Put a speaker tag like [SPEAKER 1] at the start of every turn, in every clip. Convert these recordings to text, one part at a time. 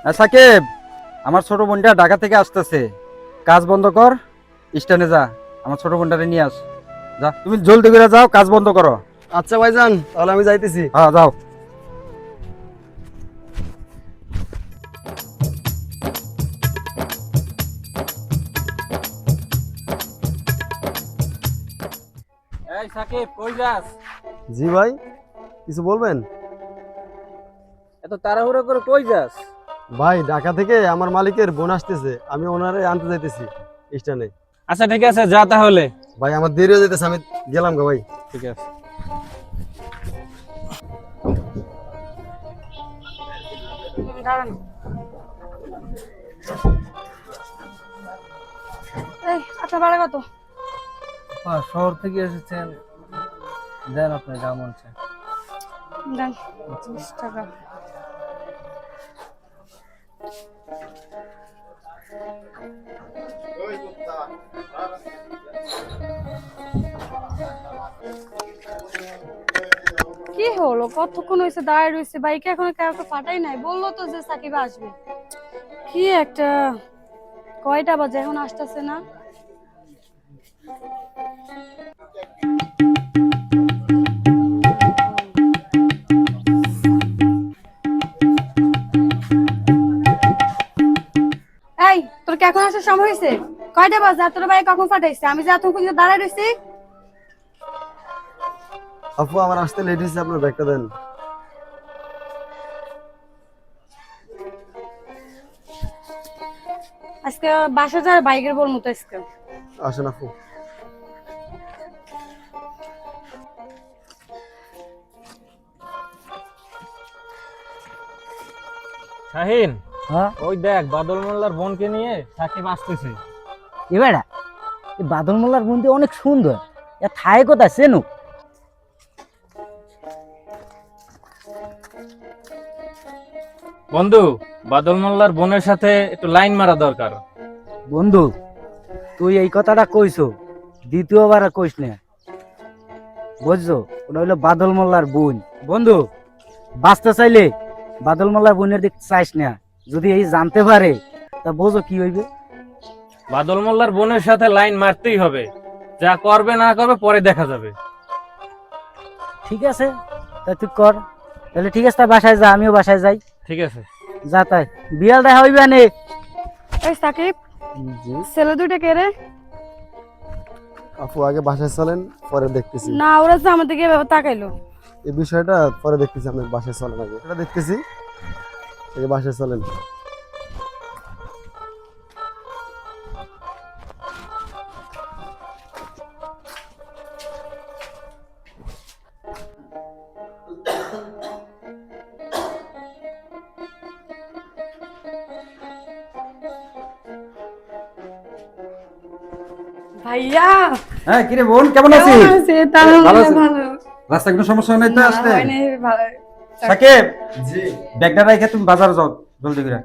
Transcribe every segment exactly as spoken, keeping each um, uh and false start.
[SPEAKER 1] সাকিব, আমার ছোট বোনটা ঢাকা থেকে আসতেছে, কাজ বন্ধ কর, স্ট্যান্ডে যা, আমার ছোট বোনটারে নিয়ে আস। যা, তুমি জলদি করে যাও, কাজ বন্ধ করো।
[SPEAKER 2] আচ্ছা ভাইজান, তাহলে আমি যাইতেছি।
[SPEAKER 1] হ্যাঁ যাও। এই সাকিব, কই যাস?
[SPEAKER 2] জি ভাই, কিছু বলবেন?
[SPEAKER 1] এত তাড়াহুড়ো করে কই যাস?
[SPEAKER 2] ভাই, ঢাকা থেকে আমার মালিকের বোন আসতেছে, আমি ওনারে আনতে যাইতেছি স্ট্যান্ডে।
[SPEAKER 1] আচ্ছা ঠিক আছে, যা তাহলে।
[SPEAKER 2] ভাই আমার দেরি হয়ে যাইতেছে, আমি গেলাম গো ভাই।
[SPEAKER 1] ঠিক আছে।
[SPEAKER 3] এই আচ্ছা ভাড়া কত?
[SPEAKER 4] শহর থেকে এসেছেন, দেন আপনার যা মন চায়।
[SPEAKER 3] দেন বিশ টাকা। কি হলো, কতক্ষণ হয়েছে দাঁড়ায় রয়েছে, বাইকে এখনো কাউকে পাঠাই নাই। বললো তো যে সাকিব আসবে। কি একটা, কয়টা বাজে এখন আসতেছে না? এই তোর কি এখন আসার সময় হয়েছে? কয়টা বাজে? আর তোর ভাই কখন পাঠাইছে? আমি যে এত পর্যন্ত দাঁড়ায় রয়েছি।
[SPEAKER 2] আপু, আমার আসতে লেট হয়েছে, আপনার ব্যাগটা দেন।
[SPEAKER 3] আজকে বাসা যাওয়ার বাইকের বলবো তো আজকে।
[SPEAKER 2] আসেন আপু।
[SPEAKER 1] শাহিন,
[SPEAKER 4] হ্যাঁ
[SPEAKER 1] ওই দেখ বাদল মোল্লার বোনকে নিয়ে সাকিব আসতেছে।
[SPEAKER 4] এবারে এই বাদল মোল্লার বন্দি অনেক সুন্দর, এ থায় কথা চেনো?
[SPEAKER 1] বন্ধু, বাদল মোল্লার বোনের সাথে একটু লাইন মারা দরকার।
[SPEAKER 4] বন্ধু, তুই এই কথাটা কইছো, দ্বিতীয়বার আর কইস না, বুঝছো? ওটা হইলো বাদল মোল্লার বোন। বন্ধু, বাঁচতে চাইলে বাদল মোল্লার বোনের দিক চাইস না, যদি এই জানতে পারে তা বোঝো কি হইবে।
[SPEAKER 1] বাদল মোল্লার বোনের সাথে লাইন মারতেই হবে, যা করবে না করবে পরে দেখা যাবে।
[SPEAKER 4] ঠিক আছে, তা তুই কর। তাহলে ঠিক আছে, তা বাসায় যা, আমিও বাসায় যাই।
[SPEAKER 1] ঠিক আছে।
[SPEAKER 4] যা, তাই বিয়াল দেখা হইবে নে।
[SPEAKER 3] এই সাকিব,
[SPEAKER 2] জি
[SPEAKER 3] ছেলে দুইটা কে রে?
[SPEAKER 2] আপু, আগে বাসায় চলেন, পরে দেখতেছি।
[SPEAKER 3] না, ওরা তো আমার দিকে এভাবে তাকাইলো।
[SPEAKER 2] এই বিষয়টা পরে দেখতেছি, আপনার বাসায় চলেন আগে, এটা দেখতেছি। আগে বাসায় চলেন।
[SPEAKER 3] ভাইয়া
[SPEAKER 1] হ্যাঁ, কিরে বোন, কেমন আছিস?
[SPEAKER 3] কেমন আছে? তাহলে
[SPEAKER 1] ভালো আছি।
[SPEAKER 3] ভালো।
[SPEAKER 1] রাস্তায় কোনো সমস্যা নেই তো
[SPEAKER 3] না,
[SPEAKER 1] আসতে?
[SPEAKER 3] হয়নি, ভালো।
[SPEAKER 1] সাকিব,
[SPEAKER 2] জি
[SPEAKER 1] ব্যাগটা রেখে তুমি বাজারে যাও জলদি করে।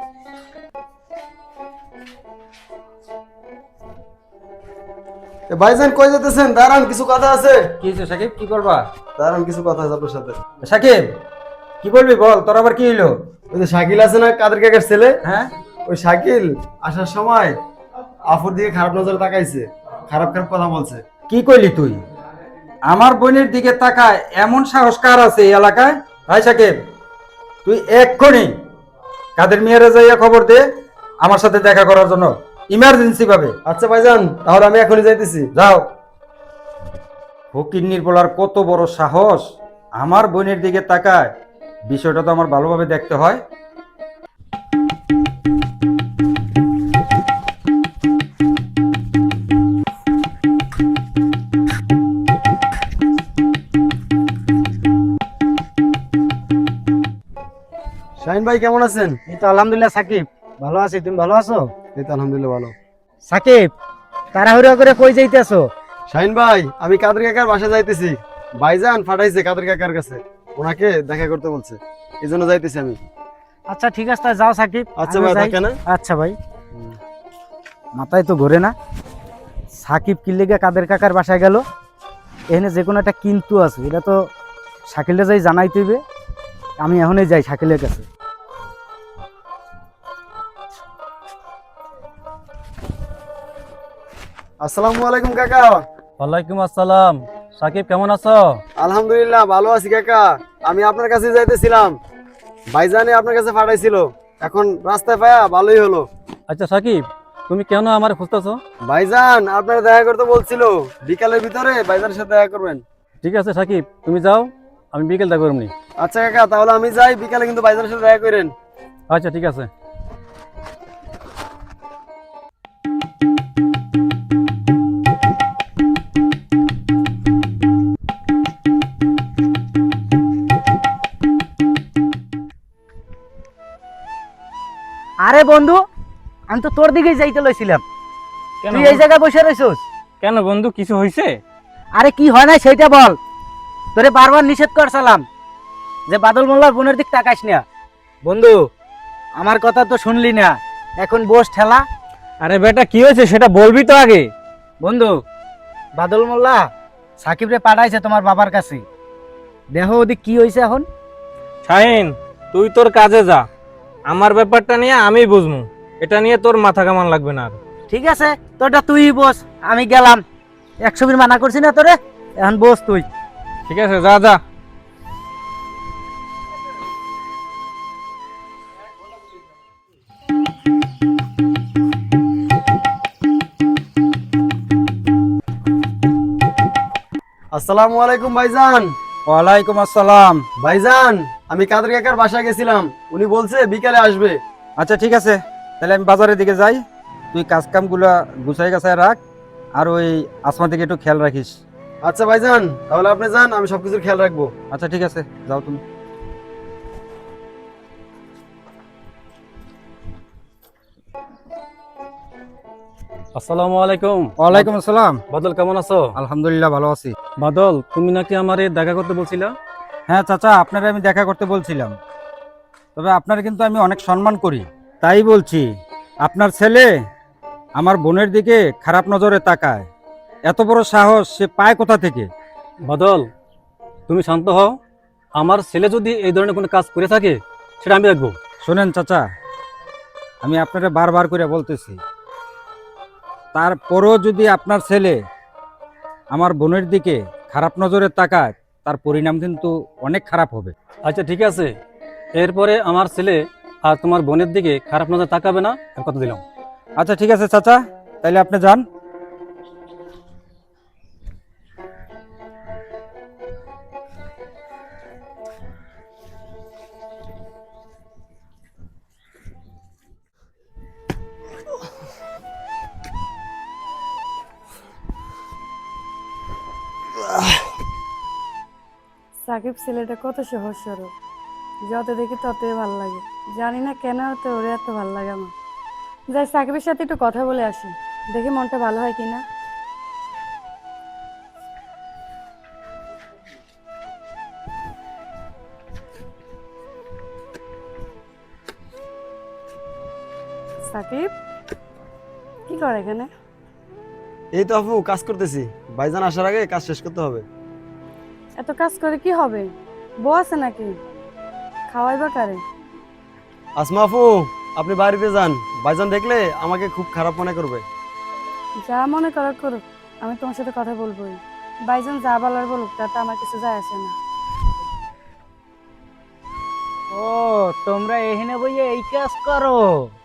[SPEAKER 2] ভাইজান, কই যেতেছেন? দাঁড়ান, কিছু কথা আছে।
[SPEAKER 1] কি হয়েছে সাকিব, কি করবা?
[SPEAKER 2] দাঁড়ান, কিছু কথা আছে আপনার সাথে।
[SPEAKER 1] সাকিব, কি বলবি বল, তোর আবার কি হইলো?
[SPEAKER 2] ওই যে শাকিল আছে না, কাদের কাকার ছেলে,
[SPEAKER 1] হ্যাঁ,
[SPEAKER 2] ওই শাকিল আসার সময় আফুর দিকে খারাপ নজরে তাকাইছে, খারাপ খারাপ কথা বলছে।
[SPEAKER 1] কি কইলি তুই? আমার বোনের দিকে তাকায় এমন সাহস কার আছে এই এলাকায়? ভাই সাকিব, তুই এক্ষুনি কাদের মিয়ারে যাইয়া খবর দে আমার সাথে দেখা করার জন্য, ইমার্জেন্সি ভাবে।
[SPEAKER 2] আচ্ছা ভাইজান, তাহলে আমি এখনই যাইতেছি।
[SPEAKER 1] যাও। ফকিন্নির বলার কত বড় সাহস, আমার বোনের দিকে তাকায়, বিষয়টা তো আমার ভালোভাবে দেখতে হয়।
[SPEAKER 2] শাহিন ভাই, কেমন আছেন?
[SPEAKER 4] এই তো আলহামদুলিল্লাহ সাকিব, ভালো আছি। তুমি ভালো আছো?
[SPEAKER 2] এই তো আলহামদুলিল্লাহ ভালো।
[SPEAKER 4] সাকিব, তাড়াহুড়া করে কই যাইতেছো?
[SPEAKER 2] শাহিন ভাই, আমি কাদের কাকার বাসায় যাইতেছি। ভাইজান পাঠাইছে কাদের কাকার কাছে, ওনাকে দেখা করতে বলছে, এই জন্য যাইতেছি আমি।
[SPEAKER 4] আচ্ছা ঠিক আছে, তাই যাও সাকিব।
[SPEAKER 2] আচ্ছা
[SPEAKER 4] আমিও
[SPEAKER 2] ভাই,
[SPEAKER 4] যাই।
[SPEAKER 2] থাকে না?
[SPEAKER 4] আচ্ছা ভাই। মাথায় তো ঘোরে না, সাকিব কি লেগে কাদের কাকার বাসায় গেল? এখানে যে কোনো একটা কিন্তু আছে, এটা তো শাকিলে যাই জানাই তুইবে। আমি এখনই যাই শাকিলের কাছে।
[SPEAKER 2] আসসালামু আলাইকুম কাকা।
[SPEAKER 5] ওয়ালাইকুম আসসালাম। সাকিব কেমন আছো?
[SPEAKER 2] আলহামদুলিল্লাহ ভালো আছি কাকা। আমি আপনার কাছে যাইতেছিলাম, ভাইজানে আপনার কাছে পাঠাইছিল, এখন রাস্তায় পায়া ভালোই হলো।
[SPEAKER 5] আচ্ছা সাকিব, তুমি কেন আমার খুঁজতেছো?
[SPEAKER 2] ভাইজান আপনার দেখা করতে বলছিল, বিকালের ভিতরে ভাইজানের সাথে দেখা করবেন।
[SPEAKER 5] ঠিক আছে সাকিব, তুমি যাও, আমি বিকেল দেখা করবনি।
[SPEAKER 2] আচ্ছা কাকা, তাহলে আমি যাই, বিকালে কিন্তু ভাইজানের সাথে দেখা করেন।
[SPEAKER 5] আচ্ছা ঠিক আছে।
[SPEAKER 4] আরে বন্ধু, আমি তো তোর দিকেই যাইতে লইছিলাম,
[SPEAKER 5] কেন
[SPEAKER 4] তুই এই জায়গায় বসে রইছস।
[SPEAKER 5] কেন বন্ধু, কিছু হয়েছে?
[SPEAKER 4] আরে কি হয় না সেইটা বল। তোরে বারবার নিষেধ করছিলাম যে বাদল মোল্লার বোনের দিক তাকাইস না। বন্ধু, আমার কথা তো শুনলি না, এখন বস ঠেলা।
[SPEAKER 5] আরে বেটা, কি হয়েছে সেটা বলবি তো আগে।
[SPEAKER 4] বন্ধু, বাদল মোল্লা সাকিব রে পাঠাইছে তোমার বাবার কাছে, দেখো ওদিক কি হয়েছে এখন।
[SPEAKER 6] শাহিন, তুই তোর কাজে যা, আমার ব্যাপারটা নিয়ে আমি বুঝবো, এটা নিয়ে তোর মাথা কামান লাগবে না আর।
[SPEAKER 4] ঠিক আছে, তোরটা তুই বস, আমি গেলাম। একশো বির মানা করছি না তোরে, এখন বস তুই।
[SPEAKER 6] ঠিক আছে, যা যা।
[SPEAKER 2] আসসালামু আলাইকুম ভাইজান।
[SPEAKER 1] ওয়ালাইকুম আসসালাম।
[SPEAKER 2] ভাইজান, আমি কাদের কাকার বাসায় গেছিলাম, উনি বলছে বিকালে আসবে।
[SPEAKER 1] আচ্ছা ঠিক আছে, তাহলে আমি বাজারের দিকে যাই, তুই কাজ কামগুলো গুছাই গাছায় রাখ, আর ওই আসমা দিকে একটু খেয়াল রাখিস।
[SPEAKER 2] আচ্ছা ভাইজান, তাহলে আপনি যান, আমি সবকিছুর খেয়াল রাখবো।
[SPEAKER 1] আচ্ছা ঠিক আছে, যাও তুমি।
[SPEAKER 5] আসসালামু আলাইকুম।
[SPEAKER 1] ওয়ালাইকুম আসসালাম।
[SPEAKER 5] বাদল কেমন আছো?
[SPEAKER 1] আলহামদুলিল্লাহ ভালো আছি।
[SPEAKER 5] বাদল, তুমি নাকি আমারে দেখা করতে বলছিলা?
[SPEAKER 1] হ্যাঁ চাচা, আপনারা আমি দেখা করতে বলছিলাম, তবে আপনার কিন্তু আমি অনেক সম্মান করি, তাই বলছি আপনার ছেলে আমার বোনের দিকে খারাপ নজরে তাকায়, এত বড় সাহস সে পায় কোথা থেকে?
[SPEAKER 5] বাদল, তুমি শান্ত হও। আমার ছেলে যদি এই ধরনের কোনো কাজ করে থাকে সেটা আমি দেখবো।
[SPEAKER 1] শোনেন চাচা, আমি আপনারা বারবার করে বলতেছি, তারপরও যদি আপনার ছেলে আমার বোনের দিকে খারাপ নজরে তাকায়, তার পরিণাম কিন্তু অনেক খারাপ হবে।
[SPEAKER 5] আচ্ছা ঠিক আছে, এরপরে আমার ছেলে আর তোমার বোনের দিকে খারাপ নজর তাকাবে না, এর কথা দিলাম।
[SPEAKER 1] আচ্ছা ঠিক আছে চাচা, তাইলে আপনি যান।
[SPEAKER 3] সাকিব ছেলেটা কত সহজ সরল, যত দেখি ততই ভালো লাগে। জানি না কেন তো ওরে এত ভালো লাগে আমার। যাই সাকিবের সাথে একটু কথা বলে আসি, দেখি মনটা ভালো হয় কিনা। সাকিব কি করে এখানে?
[SPEAKER 2] এই তো আপু, কাজ করতেছি, ভাইজান আসার আগে কাজ শেষ করতে হবে।
[SPEAKER 3] এত কাজ করে কি হবে? বউ আছে নাকি? খাওয়াইবা কারে?
[SPEAKER 2] আসমা আপু, আপনি বাড়িতে যান, ভাইজান দেখলে আমাকে খুব খারাপ মনে করবে।
[SPEAKER 3] যা মনে করার করুক, আমি তোমার সাথে কথা বলবোই। বাইজন যা বলার বলুক, তাতে আমার কিছু যায় আসে না।
[SPEAKER 4] ও, তোমরা এখানে বইয়ে এই কাজ করো?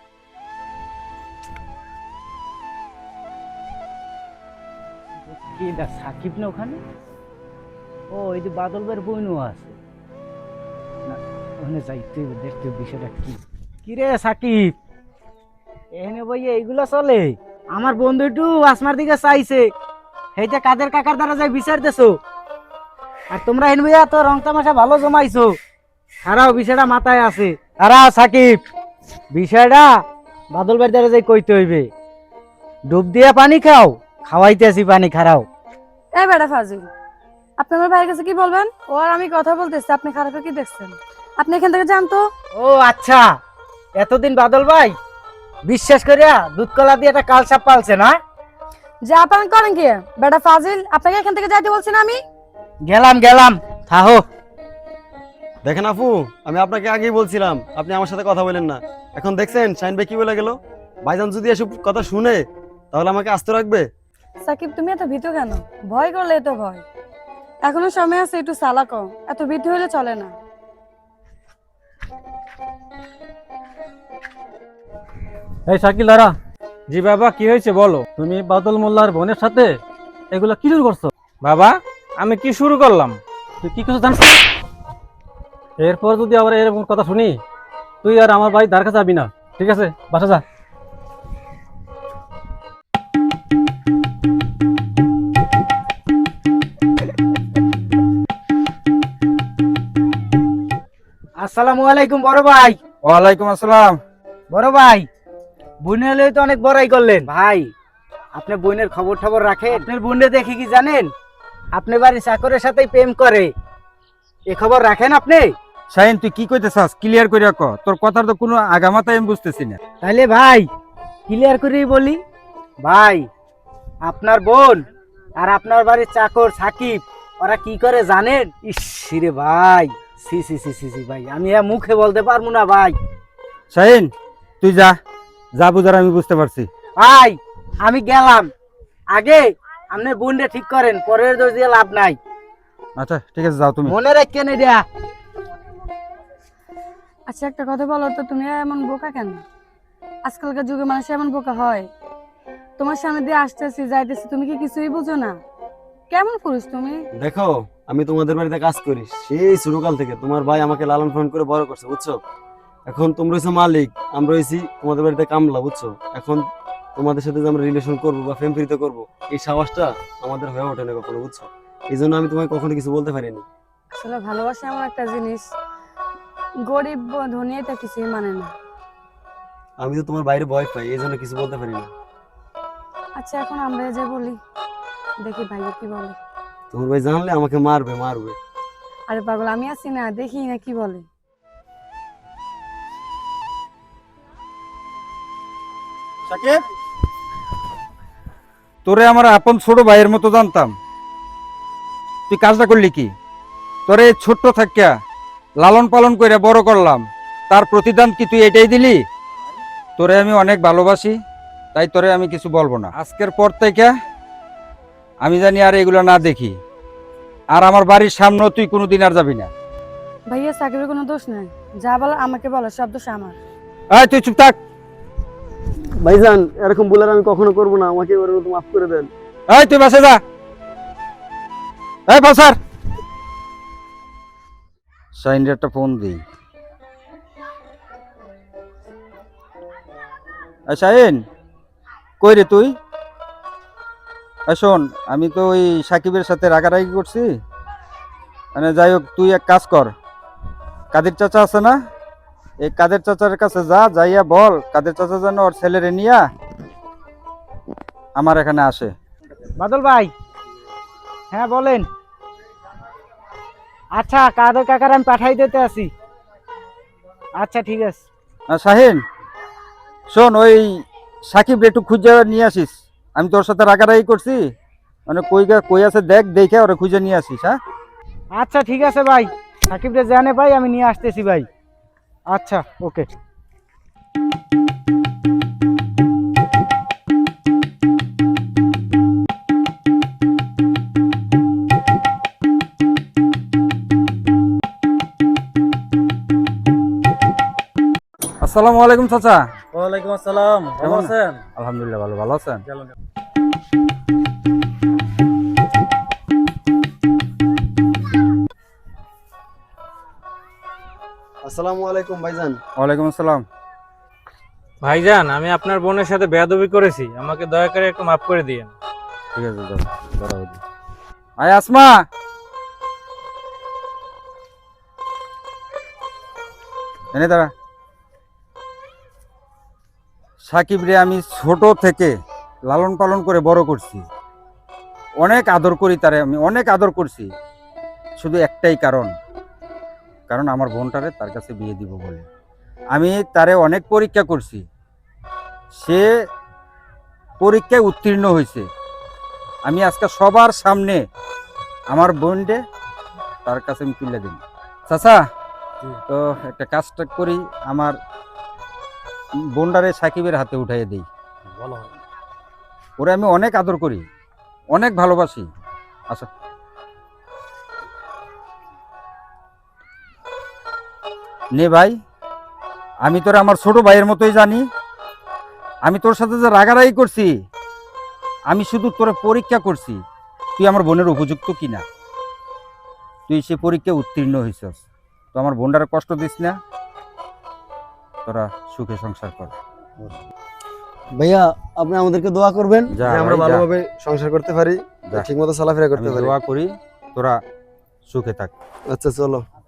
[SPEAKER 4] কি দা সাকিব না ওখানে? ও, এই যে বাদল ভাইয়ের বোনও আছে না, ওখানে যাইতে হবে, দেখতে হবে বিষয়টা কি। কি রে সাকিব, এখানে বইয়ে এইগুলা চলে? আমার বন্ধু একটু আসমার দিকে চাইছে, সেইটা কাদের কাকার দ্বারা যাই বিচার দেছো, আর তোমরা এখানে বইয়া তো রং তামাশা ভালো জমাইছো। হারাও, বিষয়টা মাথায় আছে। হারাও সাকিব, বিষয়টা বাদল ভাইয়ের দ্বারা যাই কইতে হইবে। ডুব দিয়া পানি খাও, খাওয়াইতে আসি পানি, খারাও।
[SPEAKER 3] এই বেটা ফাজিল, আপনি আমার ভাইয়ের কাছে কি বলবেন? ও আর আমি কথা বলতেছি, আপনি খারাপে কি দেখছেন? আপনি এখান থেকে জানতো।
[SPEAKER 4] ও আচ্ছা, এতদিন বাদল ভাই বিশ্বাস করিয়া দুধ কলা দিয়ে একটা কালসাপ পালছে না?
[SPEAKER 3] যা পান করেন কি বেটা ফাজিল, আপনাকে এখান থেকে যাইতে বলছি না আমি?
[SPEAKER 4] গেলাম গেলাম, থাহো।
[SPEAKER 2] দেখেন আপু, আমি আপনাকে আগেই বলছিলাম, আপনি আমার সাথে কথা বলেন না। এখন দেখছেন শাহিন ভাই কি বলে গেল। ভাইজান যদি এসব কথা শুনে তাহলে আমাকে আস্ত রাখবে।
[SPEAKER 3] সাকিব তুমি এত ভীত কেন? ভয় করলে তো ভয়, এখনো সময় আছে, একটু চালাক হও, এত ভীত হলে চলে না।
[SPEAKER 5] এই শাকিল দাঁড়া,
[SPEAKER 6] জি বাবা, কি হয়েছে বলো।
[SPEAKER 5] তুমি বাদল মোল্লার বোনের সাথে এগুলো কি শুরু করছো?
[SPEAKER 6] বাবা, আমি কি শুরু করলাম?
[SPEAKER 5] তুই কি কিছু জানিস? এরপর যদি আবার এরকম কথা শুনি, তুই আর আমার ভাই ধার কাছে যাবি না, ঠিক আছে? বাসা যা।
[SPEAKER 4] আসসালামু আলাইকুম বড় ভাই।
[SPEAKER 1] ওয়ালাইকুম আসসালাম।
[SPEAKER 4] বড় ভাই, বোনের হলে তো অনেক বড়াই করলেন ভাই। আপনি বোনের খবর খবর রাখেন? আপনার বোনে দেখে কি জানেন, আপনি বাড়ি চাকরের সাথেই প্রেম করে, এ খবর রাখেন আপনি?
[SPEAKER 1] শাহিন, তুই কি কইতে চাস? ক্লিয়ার করে ক, তোর কথার তো কোনো আগামাতাই আমি বুঝতেছি না।
[SPEAKER 4] তাইলে ভাই ক্লিয়ার করেই বলি, ভাই আপনার বোন আর আপনার বাড়ির চাকর সাকিব ওরা কি করে জানেন? ইস রে ভাই, সি সি সি সি সি ভাই, আমি এ মুখে বলতে পারবো না ভাই।
[SPEAKER 1] শাহিন, তুই যা, যা বুঝার আমি বুঝতে পারছি।
[SPEAKER 4] ভাই আমি গেলাম, আগে আপনি বোনটা ঠিক করেন, পরের দোষ দিয়ে লাভ নাই।
[SPEAKER 1] আচ্ছা ঠিক আছে, যাও তুমি।
[SPEAKER 4] মনে রাখেন এটা।
[SPEAKER 3] আচ্ছা একটা কথা বলো তো, তুমি এমন বোকা কেন? আজকালকার যুগে মানুষ এমন বোকা হয়? তোমার সামনে দিয়ে আসতেছি যাইতেছি, তুমি কি কিছুই বুঝো না? কেমন পুরুষ তুমি?
[SPEAKER 2] দেখো, আমি তোমাদের বাড়িতে কাজ করি সেই শুরুকাল থেকে। তোমার ভাই আমাকে লালন পালন করে বড় করছে, বুঝছো? এখন তোমরা হইছো মালিক, আমরা হইছি তোমাদের বাড়িতে কামলা, বুঝছো? এখন তোমাদের সাথে যে আমরা রিলেশন করবো বা ফ্যাম ফ্রিতে করবো, এই সাহসটা আমাদের হয়ে ওঠে না কখনো, বুঝছো? এই জন্য আমি তোমাকে কখনো কিছু বলতে পারিনি।
[SPEAKER 3] আসলে ভালোবাসা এমন একটা জিনিস, গরিব ব- ধনী এটা কিছুই মানে না।
[SPEAKER 2] আমি তো তোমার বাইরে ভয় পাই, এই জন্য কিছু বলতে পারি না।
[SPEAKER 3] আচ্ছা এখন আমরা যে বলি, দেখি ভাইয়া কি বলে।
[SPEAKER 2] তোমার ভাই জানলে আমাকে মারবে মারবে।
[SPEAKER 3] আরে পাগল, আমি আছি না, দেখি না কি বলে।
[SPEAKER 1] সাকিব, তোরে আমার আপন ছোট ভাইয়ের মতো জানতাম, তুই কাজটা করলি কি? তোরে এই ছোট্ট থাকিয়া লালন পালন করে বড় করলাম, তার প্রতিদান কি তুই এটাই দিলি? তোরে আমি অনেক ভালোবাসি, তাই তোরে আমি কিছু বলবো না। আজকের পর থেকে আমি জানি আর এগুলো না দেখি, আর আমার বাড়ির সামনেও তুই কোনোদিন আর যাবি না।
[SPEAKER 3] ভাইয়া সাকিবের কোনো দোষ নাই, যা বলো আমাকে বলো, সব দোষ আমার।
[SPEAKER 1] এই তুই চুপ থাক।
[SPEAKER 2] ভাইজান, এরকম বলে আমি কখনো করবো না, আমাকে এবার মতো মাফ করে দেন।
[SPEAKER 1] এই তুই বাসে যা। এই বাসার শাইনের একটা ফোন দিই। এই শাহিন, কই রে তুই? এই শোন, আমি তো ওই সাকিবের সাথে রাগারাগি করছি, মানে যাই হোক, তুই এক কাজ কর, কাদের চাচা আছে না, এই কাদের চাচার কাছে যা, যাইয়া বল কাদের চাচা যেন ওর ছেলেরে নিয়া আমার এখানে আসে।
[SPEAKER 4] বাদল ভাই, হ্যাঁ বলেন। আচ্ছা কাদের কাকার আমি পাঠাই দিতে আসি। আচ্ছা ঠিক আছে।
[SPEAKER 1] না শাহিন, শোন, ওই সাকিব একটু খুঁজে নিয়ে আসিস, আমি তোর সাথে রাগারাগি করছি, মানে কই গা- কই আছে দেখ, দেখে ওরা খুঁজে নিয়ে আসিস। হ্যাঁ
[SPEAKER 4] আচ্ছা ঠিক আছে ভাই, সাকিবরে জানে ভাই, আমি নিয়ে আসতেছি ভাই। আচ্ছা ওকে।
[SPEAKER 1] আসসালামু আলাইকুম চাচা।
[SPEAKER 5] ওয়ালাইকুম আসসালাম, ভালো
[SPEAKER 1] কেমন
[SPEAKER 5] আছেন?
[SPEAKER 1] আলহামদুলিল্লাহ, ভালো। ভালো আছেন?
[SPEAKER 2] আসসালামু আলাইকুম ভাইজান।
[SPEAKER 1] ওয়ালাইকুম আসসালাম।
[SPEAKER 6] ভাইজান, আমি আপনার বোনের সাথে বেয়াদবি করেছি, আমাকে দয়া করে একটু মাফ করে দিয়েন।
[SPEAKER 1] ঠিক আছে, দাও, দাঁড়াও দি। আয় আসমা, এনে দাঁড়া। সাকিব রে আমি ছোট থেকে লালন পালন করে বড় করছি, অনেক আদর করি তারে, আমি অনেক আদর করছি, শুধু একটাই কারণ, কারণ আমার বোনটারে তার কাছে বিয়ে দিব বলে। আমি তারে অনেক পরীক্ষা করছি, সে পরীক্ষায় উত্তীর্ণ হয়েছে। আমি আজকে সবার সামনে আমার বোনকে তার কাছে আমি তুলে দিই। চাচা, তো একটা কাজটা করি, আমার বোনটারে সাকিবের হাতে উঠাইয়ে দিই।
[SPEAKER 5] ভালো হয়।
[SPEAKER 1] ওরে আমি অনেক আদর করি, অনেক ভালোবাসি। আচ্ছা নে ভাই, আমি তোর আমার ছোট ভাইয়ের মতোই জানি। আমি তোর সাথে যে রাগারাগি করছি, আমি শুধু তোরে পরীক্ষা করছি তুই আমার বোনের উপযুক্ত কিনা। তুই সে পরীক্ষা উত্তীর্ণ হয়েছস, তো আমার বোনটার কষ্ট দিস না, তোরা সুখে সংসার কর।
[SPEAKER 2] ভাইয়া আপনি আমাদেরকে দোয়া করবেন
[SPEAKER 1] যা
[SPEAKER 2] যে আমরা
[SPEAKER 1] ভাই, যা।
[SPEAKER 2] ভালোভাবে সংসার করতে পারি,
[SPEAKER 1] যা।
[SPEAKER 2] ঠিক মতো চলাফেরা
[SPEAKER 1] আমি
[SPEAKER 2] করতে পারি।
[SPEAKER 1] দোয়া করি তোরা সুখে থাক।
[SPEAKER 2] আচ্ছা চলো।